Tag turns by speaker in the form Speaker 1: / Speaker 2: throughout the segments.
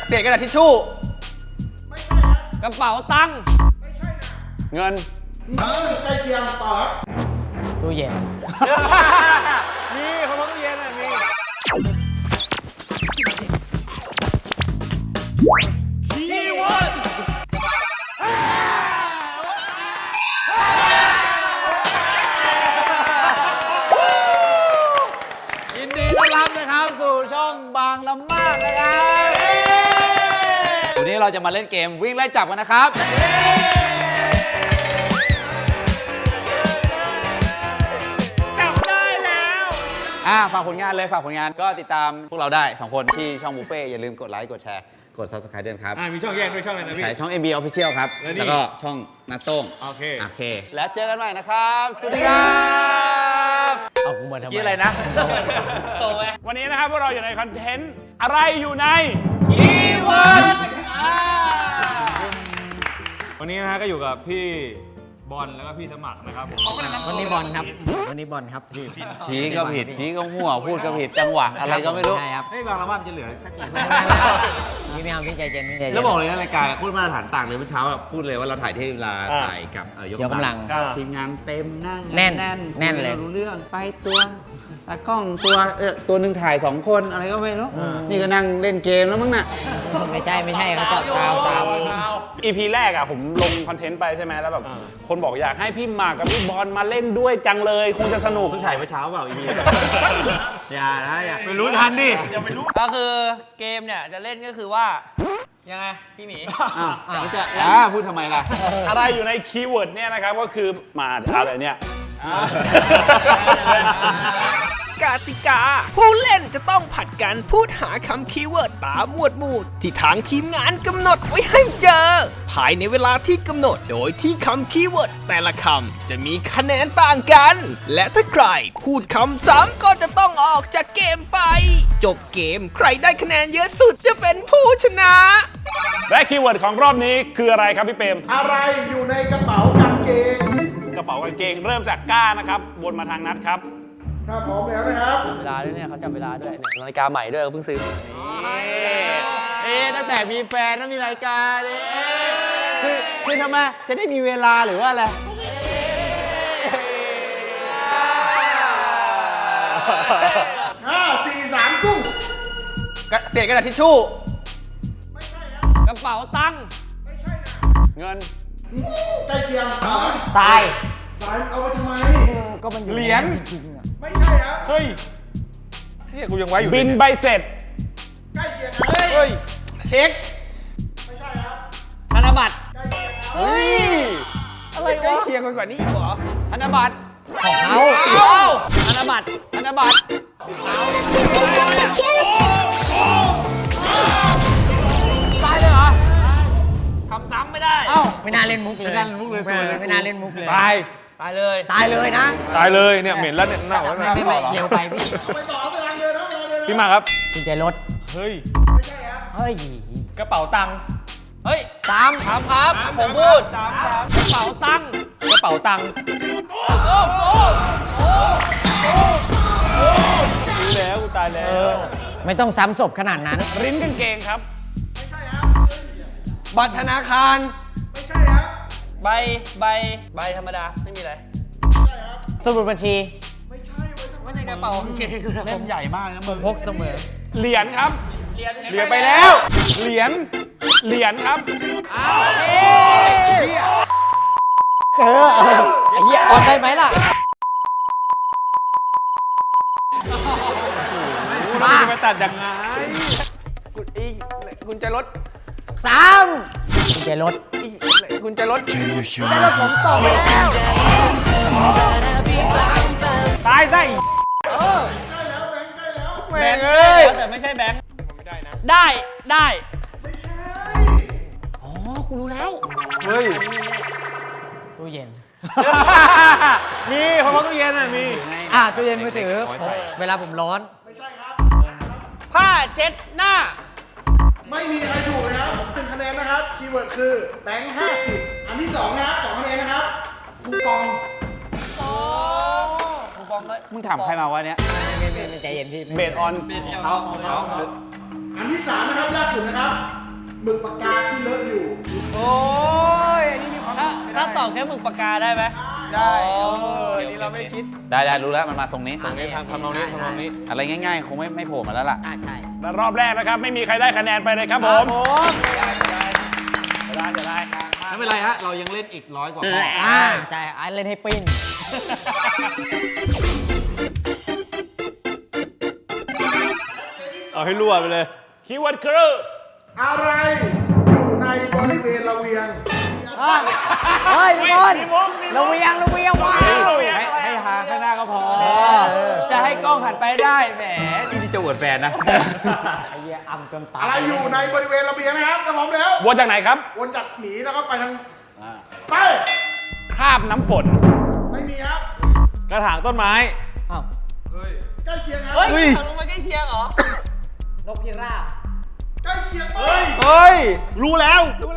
Speaker 1: เศษกระดาษทิชชู่
Speaker 2: ไม่ใช่ครับ
Speaker 1: กระเป๋าตังค์
Speaker 2: ไม่ใช่นะ
Speaker 3: เงิน
Speaker 2: ใกล้เคียงต่อครับ
Speaker 4: ตู้เย็น
Speaker 1: มีคนรู้ตู้เย็นอ่ะมีคีย์เวิร์ด
Speaker 3: ยินดีต้อนรับนะครับสู่ช่องบางละมากนะครับวันนี้เราจะมาเล่นเกมวิ่งไล่จับกันนะครับฝากผลงานเลยฝากผลงานก็ติดตามพวกเราได้2คนที่ช่องบุฟเฟ่อย่าลืมกดไลค์กดแชร์กด Subscribe ด้วยครับ
Speaker 1: มีช่องแยกด้วยช่องอะไรนะพี่
Speaker 3: ช่อง MB Official ครับแล้วก็ช่องนัทโต้งโอเคแล้วเจอกันใหม่นะครับสวัสดีครับ
Speaker 4: เอากูมาทำไม
Speaker 1: กี่อะไรนะโตไหมวันนี้นะครับพวกเราอยู่ในคอนเทนต์อะไรอยู่ในคีย์เวิร์ดวันนี้นะฮะก็อยู่กับพี่บอลแล้วก็พี่สมัครนะครับผม
Speaker 4: วันนี้บอลครับวันนี้บอลครับพี่
Speaker 3: ชี้ก็ผิดชี้ก็มั่วพูดก็ผิดจังหวะอะไรก็ไม่รู้
Speaker 4: ใช่ครับ
Speaker 3: เฮ้ยบางละว่ามันจะเหลือสักกี่คน
Speaker 4: พี่ไม่เอาพี่ใจเย็นพี่ใจเย็น
Speaker 3: แล้วบอกเลยนะรายการพูดมาตรฐานต่างเลยเมื่อเช้าพูดเลยว่าเราถ่ายที่เวลาถ่ายกับยกกำลังทีมงานเต็มนั่ง
Speaker 4: แน่นเลย
Speaker 3: รู้เรื่องไฟตัวตากล้องตัวหนึ่งถ่าย2คนอะไรก็ไม่รู้นี่ก็นั่งเล่นเกมแล้วมั้งน่ะ
Speaker 4: ไม่ใช่เขาตอบตาม
Speaker 1: EP แรกอะผมลงคอนเทนต์ไปใช่ไหมแล้วแบบคนบอกอยากให้พี่หมากกับพี่บอลมาเล่นด้วยจังเลยคงจะสนุก
Speaker 3: เพิ่งถ่ายเมื่อเช้าเปล่า EP อย่า
Speaker 1: ไม่รู้ทันดิอย่าไปรู้
Speaker 5: ก็คือเกมเนี่ยจะเล่นก็คือว่ายังไงพี่หมี
Speaker 3: พูดทำไมล่ะ
Speaker 1: อะไรอยู่ในคีย์เวิร์ดเนี่ยนะครับก็คือมาอะไรเนี่ย
Speaker 6: กติกาผู้เล่นจะต้องผัดกันพูดหาคำคีย์เวิร์ดตามหมวดหมู่ที่ทางทีมงานกำหนดไว้ให้เจอภายในเวลาที่กำหนดโดยที่คำคีย์เวิร์ดแต่ละคำจะมีคะแนนต่างกันและถ้าใครพูดคำซ้ำก็จะต้องออกจากเกมไปจบเกมใครได้คะแนนเยอะสุดจะเป็นผู้ชนะ
Speaker 1: และคีย์เวิร์ดของรอบนี้คืออะไรครับพี่เปรม
Speaker 2: อะไรอยู่ในกระเป๋ากางเกง
Speaker 1: กระเป๋ากางเกงเริ่มจากก้านะครับวนมาทางนัดครับ
Speaker 2: ถ้าพร้อมแล้วนะครับ
Speaker 5: เวลาด้วยเนี่ยเขาจับเวลาด้วยเนี่ยนาฬิกาใหม่ด้วยเพิ่งซื้อ
Speaker 3: ตั้งแต่มีแฟนแล้วมีนาฬิกาเนี่ยคือทำไมจะได้มีเวลาหรือว่าอะไร
Speaker 2: 5 4 3กุ้ง
Speaker 1: เศษกระดาษทิชชู่
Speaker 2: ไม่ใช่ครับ
Speaker 1: กระเป๋าตังค์
Speaker 2: ไม่ใช่นะ
Speaker 3: เงิน
Speaker 2: ใกล้เคียง
Speaker 4: ทราย
Speaker 2: เอาไปทำไม
Speaker 4: ก็มันอยู่
Speaker 1: เหรียญ
Speaker 2: ไม่ใช่ครับ
Speaker 1: เฮ้ยที่กูยังไว้อยู่บินใบเสร็จ
Speaker 2: ใกล้เคียง
Speaker 1: เฮ้ยเช็ค
Speaker 2: ไม่ใช่ครับ
Speaker 1: ธนบัตร
Speaker 2: ใกล้เคียงครับ
Speaker 1: เฮ้ยอะไรใกล้เคียงกันกว่านี้อีกเหรอ
Speaker 3: ธนบัตร
Speaker 4: ของเขา
Speaker 1: ธนบัตร
Speaker 5: ตายเลยเหรอคำซ้ำไม่ได้
Speaker 4: ไม่น่าเล่นมุกเลยไม่น่าเล่นมุกเลย
Speaker 1: ตาย
Speaker 5: เลย
Speaker 4: นะตาย
Speaker 1: เลยเนี่ยเหม็นแล้วเนี่ยหน้า
Speaker 4: ไม่เร็วไปพี่
Speaker 2: ไปต่อไปทางเดินครับ
Speaker 1: พี่มาครับ
Speaker 4: กุญแจรถ
Speaker 1: เฮ้ย
Speaker 2: ไม่ใช่ครับ
Speaker 4: เฮ้ย
Speaker 1: กระเป๋าตังค์
Speaker 5: เฮ้ย3ครับผมพูด
Speaker 1: กระเป๋าตังค์รู้แล้วกูตายแล้ว
Speaker 4: ไม่ต้องซ้ำศพขนาดนั้น
Speaker 1: ริ้นกางเกงครับ
Speaker 2: ไม่ใช่ครับ
Speaker 5: บัตรธนาคาร
Speaker 2: ไม่ใช่ครับ
Speaker 5: ใบธรรมดาไม่มีอะไร
Speaker 2: ไม่ใช่ครับ
Speaker 4: สมุดบัญชี
Speaker 2: ไม่ใช่
Speaker 5: ไว้ในกระเป๋ากางเกง
Speaker 3: เล่มใหญ่มากนะมึง
Speaker 4: พกเสมอ
Speaker 1: เหรียญครับเหรียญไปแล้วเหรียญครับ
Speaker 4: เจอไอ้เหี้ยออกได้ไหมล่ะ
Speaker 1: มาจะไปตัดยังไงกุญแจรถ
Speaker 4: กุญแจรถ
Speaker 1: ผมต่อไปแล้วตายได้
Speaker 2: ใกล้แล้ว
Speaker 1: แบงค์เอ้ย
Speaker 5: แต่ไม่ใช่แบงค์
Speaker 1: ไม่ได้นะ
Speaker 5: ได้
Speaker 2: ไม่ใช่
Speaker 5: อ๋อกูรู้แล้ว
Speaker 1: เฮ้ย
Speaker 4: ตู้เย็น
Speaker 1: มีเพราะว่าตู้เย็นอ่ะมี
Speaker 4: ตู้เย็นมือถือเวลาผมร้อน
Speaker 2: ไม่ใช่ครับ
Speaker 5: ผ้าเช็ดหน้า
Speaker 2: ไม่มีใครถูกนะครับ1คะแนนนะครับคีย์เวิร์ดคือแบงค์50อันที่2นะครับ2คะแนนนะครับคูปอง
Speaker 5: เลย
Speaker 3: มึงถามใครมาวะเนี้ย
Speaker 4: ไม่ใจเย็นพี่
Speaker 1: เบสออน
Speaker 3: เขา
Speaker 2: อันที่3นะครับยากสุดนะครับหมึกปากกาที่เลอะอยู่
Speaker 4: โอ้ยอันนี้มีความ
Speaker 5: ถ้าตอบแค่หมึกปากกาได้ไหม
Speaker 4: ได้อันนี้เราไม่ได้คิด
Speaker 3: ได้รู้แล้วมันมาทรงนี้
Speaker 4: ตรงนี้ทำนองนี้ทำนองนี้
Speaker 3: อะไรง่ายๆ คงไม่โผล่มาแล้วล่ะ
Speaker 5: ใช่
Speaker 1: และรอบแรกนะครับ ไม่มีใครได้คะแนนไปเลยครับผม จะได้
Speaker 3: ไม่เป็นไรฮะ เรายังเล่นอีก100 กว่าข้อ
Speaker 5: ใช่ไอ้เล่นให้ปิ้น
Speaker 4: เอาให้รั่วไปเลย
Speaker 1: คีย์เวิร์ดคือ
Speaker 2: อะไรอยู่ในบริเวณระเวียง
Speaker 4: เฮ้ยบอล
Speaker 1: มีมุก
Speaker 4: ระเวียงว้าว
Speaker 3: ให้หาข้างหน้าก็พอ จะให้กล้องหันไปได้ แหมนี่จะอวดแฟนนะ
Speaker 4: ไอ้เหี้ยอ่ำจนตาย
Speaker 2: อะไรอยู่ในบริเวณระเบียงนะครับถ้าพร้อมแล้ว
Speaker 1: วนจากไหนครับ
Speaker 2: วนจากหมีแล้วก็ไปทางไป
Speaker 1: คราบน้ำฝน
Speaker 2: ไม่มีครับ
Speaker 4: กระถางต้นไม้
Speaker 5: อ้าว
Speaker 2: ใกล้เคียงครับ
Speaker 5: เฮ้ยถังลงมาใกล้เคียงเหรอ
Speaker 4: นกพิราบ
Speaker 2: ใกล้เคียงไป
Speaker 4: เฮ้ย รู้แล้ว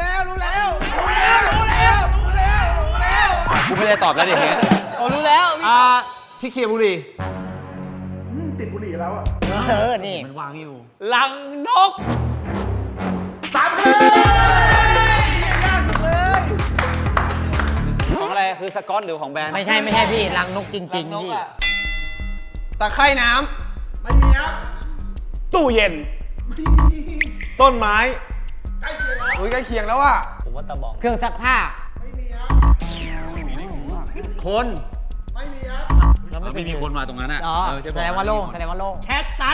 Speaker 3: กูไม่ได้ตอบแล้วดิเฮ้ย
Speaker 5: โอ้รู้แล้ว
Speaker 3: ที่เคียร์บุรี
Speaker 2: ติดบุหรี่แล้วอ่ะ
Speaker 5: นี่
Speaker 3: มันวางอยู่
Speaker 5: ลังนก
Speaker 2: 3 คะแนนยากสุดเลย
Speaker 3: ของอะไร คือสกอตหรือของแบรนด์
Speaker 5: ไม่ใช่พี่ลังนกจริงๆพี่
Speaker 4: ตะไคร่น้
Speaker 2: ไม่มีครับ
Speaker 1: ตู้เย็น
Speaker 2: ไม่มี
Speaker 4: ำ ต้นไม้
Speaker 2: ใกล้เคียงครับ
Speaker 4: อุ้ยใกล้เคียงแล้วอ่ะ
Speaker 5: ผมว่าตะบอง เครื่องซักผ้า
Speaker 2: ไม่มีครับ
Speaker 3: คน
Speaker 2: ไม่มีครับ
Speaker 5: แล้วไม่
Speaker 3: ไม่มีคนมาตรงนั้นอ่ะ
Speaker 5: อ๋อ
Speaker 3: เออจะบอก
Speaker 5: แสดงว่าโล่งแสดงว่าโล่งแคทตัส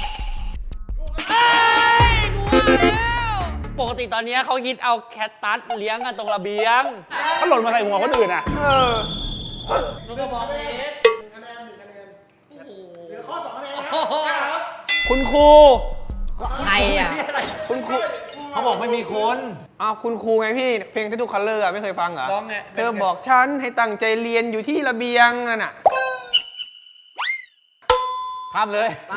Speaker 5: ปกติตอนนี้เขาคิดเอาแคทตัสเลี้ยงกันตรงระเบียง
Speaker 1: ถ้าหล่นมาใส่หัวคนอื่นอ่ะ
Speaker 2: 1 คะแนนเหลือข้อ 2 คะแนนนะครับ
Speaker 1: คุณครู
Speaker 5: ใครอ่ะ
Speaker 2: คุณครู
Speaker 3: เขาบอกไม่มีคน
Speaker 4: อ้าวคุณครูไงพี่ เพลงที่ทุกคัลเลอร์ไม่เคยฟังเหรอ
Speaker 5: ร้องไง
Speaker 4: เธอบอกฉันให้ตั้งใจเรียนอยู่ที่ระเบียงนั่นน่ะ
Speaker 3: ข้ามเลย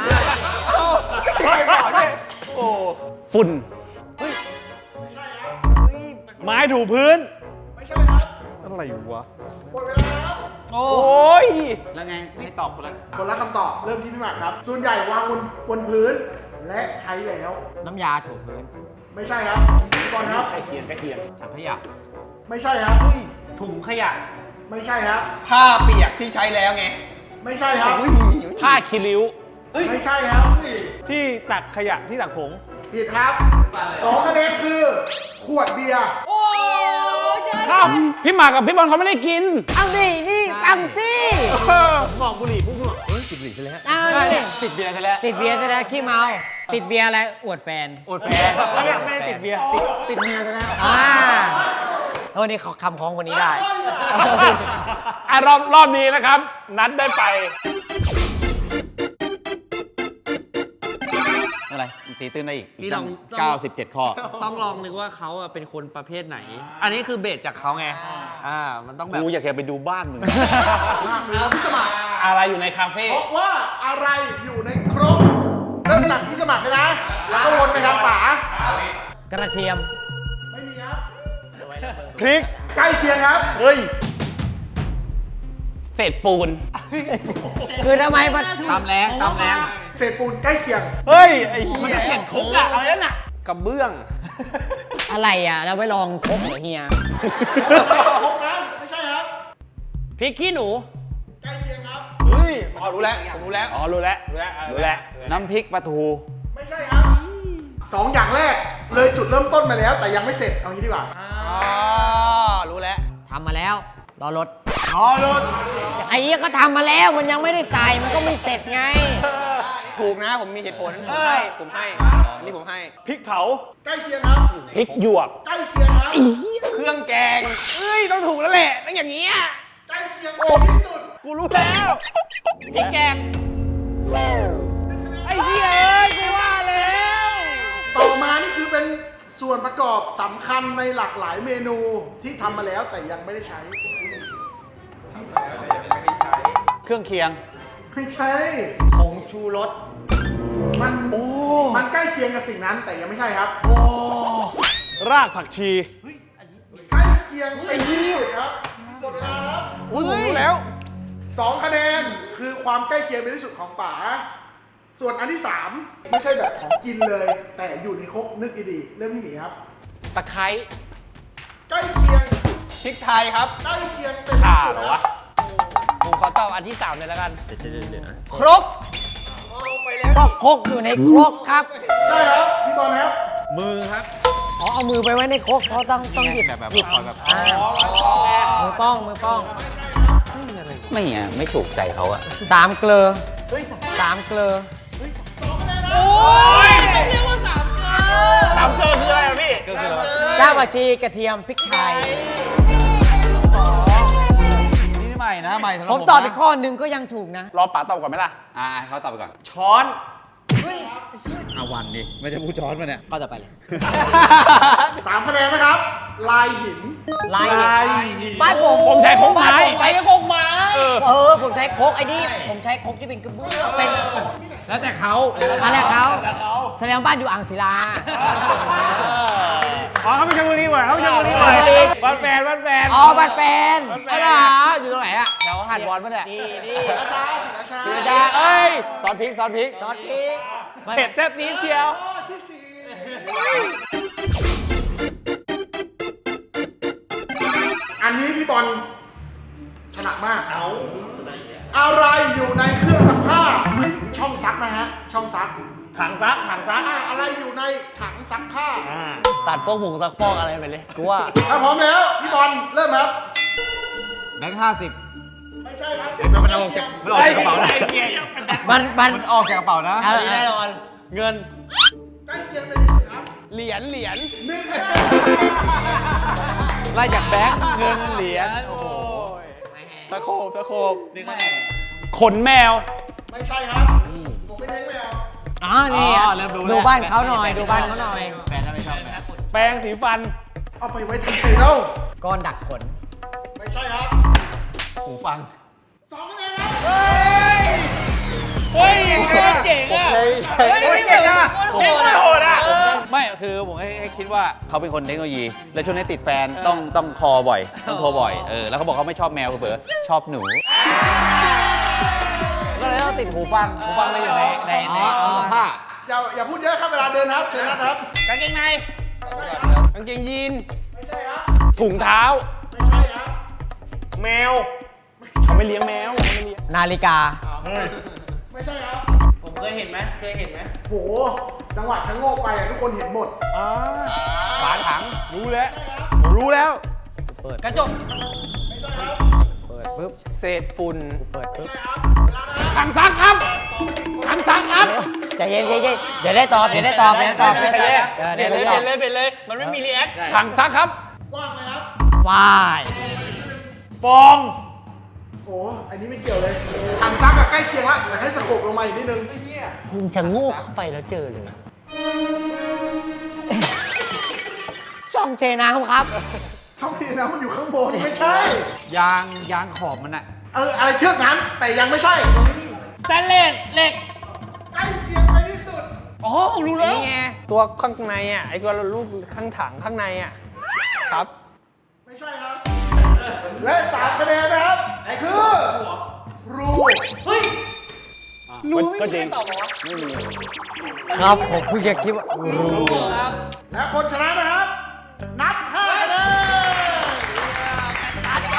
Speaker 1: ฝุ่น
Speaker 2: ไม่ใช่ครับ
Speaker 4: ไม้ถูพื้น
Speaker 2: ไม่ใช่ครับ
Speaker 4: อะไรวะ
Speaker 2: หมดเวลาครับ
Speaker 4: โอ้ย
Speaker 3: แล้วไง ให้ตอบคนละ
Speaker 2: คนละคำตอบ เริ่มที่พี่หมากครับ ส่วนใหญ่วางบนพื้น และใช้แล้ว
Speaker 5: น้ำยาถูพื้น
Speaker 2: ไม่ใช่ครับพี่บอลครับ
Speaker 1: ใกล้เคียง
Speaker 3: ถังขยะ
Speaker 2: ไม่ใช่ครับ
Speaker 5: ถุงขยะ
Speaker 2: ไม่ใช่ครับ
Speaker 4: ผ้าเปียกที่ใช้แล้วไง
Speaker 2: ไม่ใช่ครับ
Speaker 1: ผ้าคีริ้ว
Speaker 2: ไม่ใช่ครับ
Speaker 4: ที่ตักขยะที่ตักผง
Speaker 2: ผิดครับ 2 คะแนนคือ ขวดเบียร์
Speaker 1: ข้าวพี่หมากกับพี่บอลเขาไม่ได้กิน
Speaker 5: เอาดินี่ฟังสิ
Speaker 3: บอกบุหรี่พวกมึงเฮ้ยติดบุหรี่ใช่แล้ว
Speaker 5: เอาดิ
Speaker 3: ติดเบียร์ใช่แล้ว
Speaker 5: ติดเบียร์จะได้ขี้เมา ติดเบียร์อะไร อวดแฟน
Speaker 3: อดแฟนไม่ได้ติดเบียร์ ติดเมียใช่ไหม
Speaker 5: นี่เขาคำของคนนี้ได้
Speaker 1: อ่ะรอบนี้นะครับ นัดได้ไป
Speaker 3: อะไรตีตื้นได้อีก
Speaker 5: นี่
Speaker 3: ตั้ง
Speaker 5: ลอง
Speaker 3: 97 ข้อ
Speaker 5: ต้องลองนึกว่าเขาอะเป็นคนประเภทไหน อันนี้คือเบสจากเขาไง มันต้องแบบ
Speaker 3: กูอยากจะไปดูบ้านมึง
Speaker 2: พี่สมัคร
Speaker 1: อะไรอยู่ในคาเฟ่
Speaker 2: เพราะว่าอะไรอยู่ในครก เริ่มจากพี่สมัครเลยนะ แล้วก็วนไปทางป๋าก
Speaker 5: ระเทียม
Speaker 2: ไม่มีครับ
Speaker 4: พริก
Speaker 2: ใกล้เคียงครับ
Speaker 4: เฮ้ย
Speaker 1: เศษปูน
Speaker 5: คือทำไมมัน
Speaker 3: ตามแรง
Speaker 2: เศษปูนใกล้เคียง
Speaker 4: เฮ้ย ไอ้เหี้ย
Speaker 1: เศษคุกอะอะไรนั่นอะ
Speaker 4: กระเบื้อง
Speaker 5: อะไรอ่ะ เราไปลองคบเหรอเฮีย
Speaker 2: ครกนะไม่ใช่ครับ
Speaker 5: พริกขี้หนู
Speaker 2: ใกล้เคียงครับ
Speaker 4: เฮ้ยอ๋อรู้แล้ว ผมรู้แล้ว
Speaker 1: อ๋อ รู้แล้ว รู้แล้ว
Speaker 3: น้ำพริกปลาทู
Speaker 2: ไม่ใช่ครับ 2 อย่างแรก เลยจุดเริ่มต้นมาแล้ว แต่ยังไม่เสร็จ เอางี้ดีกว่า
Speaker 4: อ๋อ รู้แล้ว
Speaker 5: ทำมาแล้ว รอรถ
Speaker 4: อ๋อรถ
Speaker 5: ไอ้เหี้ยก็ทำมาแล้ว มันยังไม่ได้ใส่ มันก็ไม่เสร็จไง
Speaker 4: ถูกนะ ผมมีเหตุผล ผมให้ อันนี้ผมให้ พริกเผา
Speaker 2: ใกล้เคียงครับ
Speaker 1: พริกหยวก
Speaker 2: ใกล้เคียงครับ
Speaker 4: เครื่องแกง เอ้ย ต้องถูกแล้วแหละต้องอย่างเงี้ย
Speaker 2: ใกล้เคียงที่สุด
Speaker 4: กูรู้แล้ว
Speaker 5: พริกแกง
Speaker 4: ไอ้เหี้ยเอ้ย กูว่าแล้ว
Speaker 2: ต่อมานี่คือเป็นส่วนประกอบสำคัญในหลากหลายเมนูที่ทำมาแล้วแต่ยังไม่ได้ใช้
Speaker 3: เครื่องเคียง
Speaker 2: ไม่ใช่
Speaker 5: ผงชูรส
Speaker 2: มันใกล้เคียงกับสิ่งนั้นแต่ยังไม่ใช่ครับ
Speaker 4: รากผักชี
Speaker 2: ใกล้เคียงเป็นที่สุดครับหมดเวลาครับ
Speaker 4: อุ้ยผมรู้แล้ว
Speaker 2: 2 คะแนนคือความใกล้เคียงเป็นที่สุดของป๋าส่วนอันที่ 3 ไม่ใช่แบบของกินเลย แต่อยู่ในครกนึกดีๆเริ่มที่หมีครับ
Speaker 1: ตะไคร้
Speaker 2: ใกล้เคียง
Speaker 4: พริกไทยครับ
Speaker 2: ใกล้เคียงเป็น
Speaker 1: ข่า
Speaker 2: ที่สุด
Speaker 1: เหรอ
Speaker 2: นะ
Speaker 1: วะ
Speaker 5: ผมขอตอบอันที่3เลยแล้วกัน
Speaker 4: ครก
Speaker 7: ก็ครกอยู่ในครกครับ
Speaker 2: ได้ครับพี่บอลครับ
Speaker 3: มือครับ
Speaker 7: อ๋อเอามือไปไว้ในครกเขาต้องหยิบ
Speaker 3: แบบ
Speaker 7: หยิบ
Speaker 3: ปล่อยแบบ
Speaker 7: อ่ามือป้องมือป้อง
Speaker 3: ไม่ถูกใจเขาอะ
Speaker 7: สามเกลือสามเกลือ
Speaker 1: สามเกลือคืออะไรอะพี่
Speaker 3: ก็คือ
Speaker 7: รากผักชีกระเทียมพริกไทย
Speaker 3: นี่ใหม่นะใหม่สำหรับ
Speaker 7: ผมตอบ
Speaker 3: นะ
Speaker 7: อีกข้อหนึ่งก็ยังถูกนะ
Speaker 1: รอป๋าตอบก่อนไหมล่ะ
Speaker 3: เขาตอบไปก่อน
Speaker 4: ช้อน
Speaker 3: เอาวันดิไม่ใช่ผู้ช้อนมาเนี่ย
Speaker 7: ข้อต่อไปเลย
Speaker 2: 3 คะแนนนะครับ ลายหิน
Speaker 7: ลายบ้านผม
Speaker 1: ผมใช้โคกไม้
Speaker 7: บ้านผมใช้โคกไม้ผมใช้โคกไอ้นี่ผมใช้โคกที่เป็นกระเบื้องเป็น
Speaker 3: แล้วแต่เขา
Speaker 7: อะไรเขาแสดงว่าบ้านอยู่อ่างศิลา
Speaker 5: อ๋อเขาไปชลบุรีบ่อยเขาไปชลบุรีบ่อยบ้านแฟนบ้านแฟน
Speaker 7: อ๋อบ้านแฟน
Speaker 3: เอาล่ะอยู่ตรงไหนอะแถวหาดวอนปะเนี่ย
Speaker 2: ราชาศิราชา
Speaker 3: ศิราชาเอ้ยซอสพริกซอสพริก
Speaker 7: ซอสพริก
Speaker 5: เผ็ดแซ่บซีดเชียว
Speaker 2: ข้อที่ 4 อันนี้พี่บอลถนัดมาก อะไรอยู่ในเครื่องซักผ้าหมายถึงช่องซักนะฮะ ช่องซัก
Speaker 5: ถังซักถังซัก
Speaker 2: อะไรอยู่ในถังซักผ้า
Speaker 5: ตัดพวกผงซักฟอกอะไรไปเลยกูว่า
Speaker 2: ถ้าพร้อมแล้ว พี่บอลเริ่มครับ
Speaker 3: แบงค์50
Speaker 2: ไม่ใช่ครับ
Speaker 3: มันออกจากกระเป๋านะ
Speaker 7: มัน
Speaker 3: มันออกจากกระเป๋านะ
Speaker 5: แน่นอนเงิน
Speaker 2: ใกล้เคียงเป็นที่สุดครับ
Speaker 4: เหรียญ
Speaker 2: 1 คะแนน
Speaker 3: ไล่จากแบงค์เงินเหรียญ
Speaker 4: ตะโขบ
Speaker 1: ขนแมว
Speaker 2: ไม่ใช่ครับ ผมไม่เลี้ยงแมว
Speaker 7: อ๋อนี่ดูบ้านเขาหน่อยดูบ้านเขาหน่อย
Speaker 3: แฟนน่าไม่ชอบแฟน
Speaker 5: แปรงสีฟัน
Speaker 2: เอาไปไว้ทำไมเล่า
Speaker 7: ก้อนดักขน
Speaker 2: ไม่ใช่ครับ
Speaker 3: หูฟัง
Speaker 2: 2 คะแนนครับ
Speaker 5: เฮ้ยเจ๋งอ่ะเฮ้ยเจ๋งอ่ะโหดอ่ะ
Speaker 3: ไม่คือผมให้คิดว่าเขาเป็นคนเทคโนโลยี แล้วช่วงนี้ติดแฟนต้องคอบ่อยต้องโทรบ่อยแล้วเขาบอกเขาไม่ชอบแมวเผลอชอบหนูก็เลยต้องติดหูฟังเลยอยู่ในผ้า
Speaker 2: อย่าพูดเยอะครับเวลาเดินครับเชิญนะครับ
Speaker 1: กางเกงใน
Speaker 4: กางเกงยีน
Speaker 2: ไม่ใช่ครับ
Speaker 1: ถุงเท้า
Speaker 2: ไม่ใช่ครับ
Speaker 5: แมว
Speaker 1: เขาไม่เลี้ยงแมวเขาไม่เลี้ยง
Speaker 7: นาฬิกา
Speaker 2: ไม่ใช่ครับ
Speaker 5: ผมเคยเห็นไหมเคยเห็นไหม
Speaker 2: โห จังหวะชะโงกไปทุกคนเห็นหมด
Speaker 3: ฝาถัง
Speaker 5: รู้แล้ว
Speaker 2: ใช่ครับ
Speaker 5: ผมรู้แล้ว
Speaker 7: กระจก
Speaker 2: ไม่ใช่ครับ
Speaker 7: เปิดปุ๊บ
Speaker 4: เศษฝุ่น
Speaker 7: เปิดปุ๊บ
Speaker 2: ไม่ใช่ครับ เวลานะครับ
Speaker 1: ถังซักครับถังซักครับ
Speaker 7: ใจเย็นเดี๋ยวได้ตอบเดี๋ยวได้ตอบ
Speaker 5: เปลี่ยนเลยมันไม่มีรีแอค
Speaker 1: ถังซักครับ
Speaker 2: กว้างไหมครับ
Speaker 7: วาย
Speaker 5: ฟอง
Speaker 2: โอ้อันนี้ไม่เกี่ยวเลย ถังซักกับใกล้เคียงละแต่ให้สโคปลงมาอีกนิดนึง
Speaker 7: คุณจะโง่เข้าไปแล้วเจอเลย ช่องเทน้ำครับ
Speaker 2: ช่องทีนะมันอยู่ข้างบนไม่ใช่
Speaker 3: ยางขอบมันอะ
Speaker 2: อะไรเชือกนั้น แต่ยังไม่ใช่ตรงนี้
Speaker 5: สแตนเลสเหล็ก
Speaker 2: ใกล้เคียงไปที่สุด
Speaker 5: อ๋อรู้แล้ว
Speaker 4: นี่ไง ตัวข้างในอ่ะ ไอ้ตัวลูกข้างถังข้างในอ่ะ ครับ
Speaker 2: ไม่ใช่ครับ และ3 คะแนนนะครับ คือ รู
Speaker 1: ก็จริง
Speaker 7: ครับผมเพิ่งจะคิดว่ารู้
Speaker 2: และคนชนะนะครับ นับ 5 คะแนน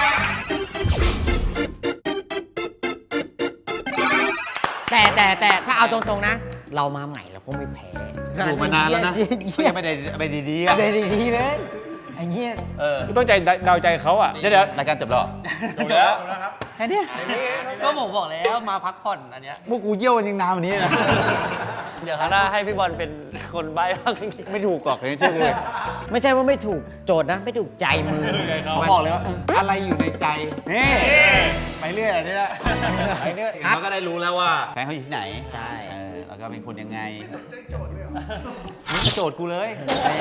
Speaker 7: แต่ถ้าเอาตรงๆนะ เรามาใหม่เราก็ไม่แพ้
Speaker 3: อยู่มานานแล้วนะ
Speaker 7: จริง
Speaker 3: ก็ยังไม่ได้ดีๆอะ
Speaker 7: ๆดีๆเลยไอ้เงี้ย
Speaker 1: ต้องใจเดาใจเขาอ่ะ
Speaker 3: เดี๋ยวรายการจบแล้วเหรอ
Speaker 5: จบแล้ว
Speaker 3: แค่เนี้ย
Speaker 5: ก็ผมบอกแล้วมาพักผ่อนอันเนี้ย
Speaker 3: พวกกูเยี่ยวกันยังนานวันนี้นะ
Speaker 5: เดี๋ยวครั้งหน้าให้พี่บอลเป็นคนใบ้บ้าง
Speaker 3: ไม่ถูกหรอกอย่างที่เชื่อกูเลย
Speaker 7: ไม่ใช่ว่าไม่ถูกโจทย์นะ ไม่ถูกใจมือ
Speaker 3: เขาบอกเลยว่าอะไรอยู่ในใจนี่ไปเรื่อยอะไรเนี่ยไปเรื่อยเขาก็ได้รู้แล้วว่าแฟนเขาอยู่ที่ไหน
Speaker 7: ใช่
Speaker 3: แล้วก็เป็นคนยังไงโจทย์กูเลย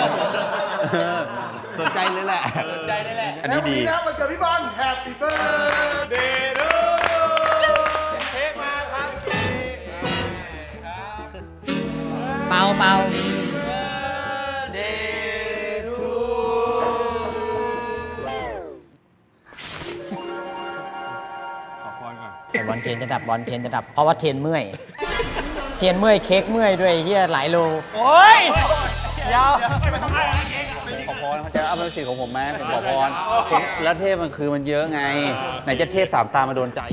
Speaker 3: สนใจเลยแหละ
Speaker 5: สนใจได้แหละ
Speaker 3: อัน
Speaker 2: แล้ว
Speaker 3: นี้
Speaker 2: วัน
Speaker 3: ดี
Speaker 2: นี้นะมันเกิดพี่บอลแฮปปี้เบิร์ด
Speaker 5: เดโดเค้กมาครับ
Speaker 7: เปา
Speaker 5: เดทู
Speaker 7: แต่บอลเทนจะดับบอลเทนจะดับ เพราะว่าเทนเมื่อยเทียนเมื่อยเค้กเมื่อยด้วยเฮียหลายโล
Speaker 5: โอ้ยยาว
Speaker 3: ขอพรเขาจะเอาเป็นสิทธิ์ของผมไหมผมขอพรแล้วเทพมันคือมันเยอะไง ไหนจะเทพสามตามาโดนใจ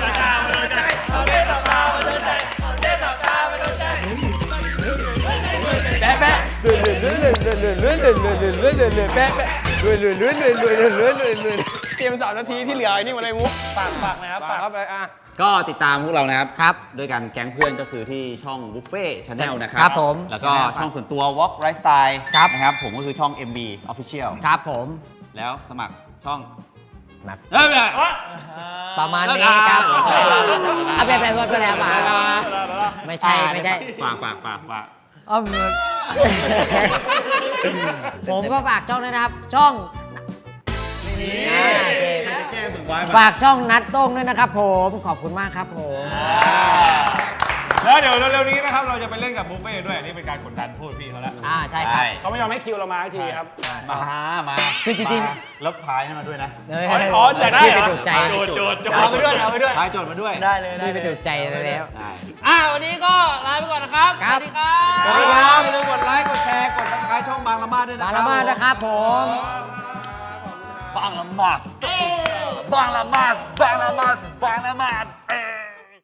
Speaker 3: แปะแปะเลื่อนเลื่อนเลื่อนเลื่อนเลื่อนเลื่อนเลื่อนเลื่อนเลื่อนเลื่อนเลื่อนเลื่อนแปะแปะเลื่อนเลื่อนเลื่อนเลื่อนเลื่อนเลื่อนเลื่อนเลื่อน
Speaker 4: เตรียม3 นาทีที่เหลือไอ้นี่มาเลยมุก
Speaker 5: ฝากนะครับ
Speaker 4: ฝากครับไป
Speaker 3: ก็ติดตามพวกเรานะครับ
Speaker 7: ครับ
Speaker 3: ด้วยกันแก๊งเพื่อนก็คือที่ช่องบุฟเฟ่ชาแนลนะครับ
Speaker 7: ครับผม
Speaker 3: แล้วก็ช่องส่วนตัว Walk Lifestyle
Speaker 7: ครับ
Speaker 3: นะครับผมก็คือช่อง MB Official
Speaker 7: ครับผม
Speaker 3: แล้วสมัครช่อง
Speaker 7: นัด
Speaker 3: เอ้ย
Speaker 7: ประมาณนี้ครับเอาไปพูดไปแล้วมาไม่ใช่ไม่ใช่
Speaker 3: ฝาก
Speaker 7: อ้อมผมก็ฝากช่องด้วยนะครับ ช่องฝากช่องนัดโต้งด้วยนะครับผมขอบคุณมากครับผม
Speaker 5: แล้วเดี๋ยวเร็วๆนี้นะครับเราจะไปเล่นกับบุฟเฟ่ด้วยอันนี่เป็นการกดดันพูดพี่เขาแล้ว
Speaker 7: ใช่ครับ
Speaker 1: เขาไม่ยอมให้คิวเรามาสักทีครับ
Speaker 3: มา
Speaker 7: คือจริง
Speaker 3: แล้วพายนั่นมาด้วยนะ
Speaker 7: ๆ
Speaker 1: อ๋อแต่ได้เหรอ
Speaker 7: พี่ไปถูกใจ
Speaker 5: โจทย์เอาไปด้วยเอาไปด้วย
Speaker 3: พายโจทย์มาด้วย
Speaker 5: ได้เลย
Speaker 7: พี่ไปถูกใจแล้ว
Speaker 3: ได้
Speaker 5: วันนี้ก็ลาไปก่อนนะครับ
Speaker 7: ครับ
Speaker 5: สวัสดีครับ
Speaker 3: สวัสดีครับอย่าลืมกดไลค์กดแชร์กดซับสไครต์ช่องบางละมาดด้วยนะ
Speaker 7: มา
Speaker 3: ค
Speaker 7: ละ
Speaker 3: รับ
Speaker 7: มาดนะครับผม
Speaker 3: บางละมาดบางละมาดบางละมาดบางละมาด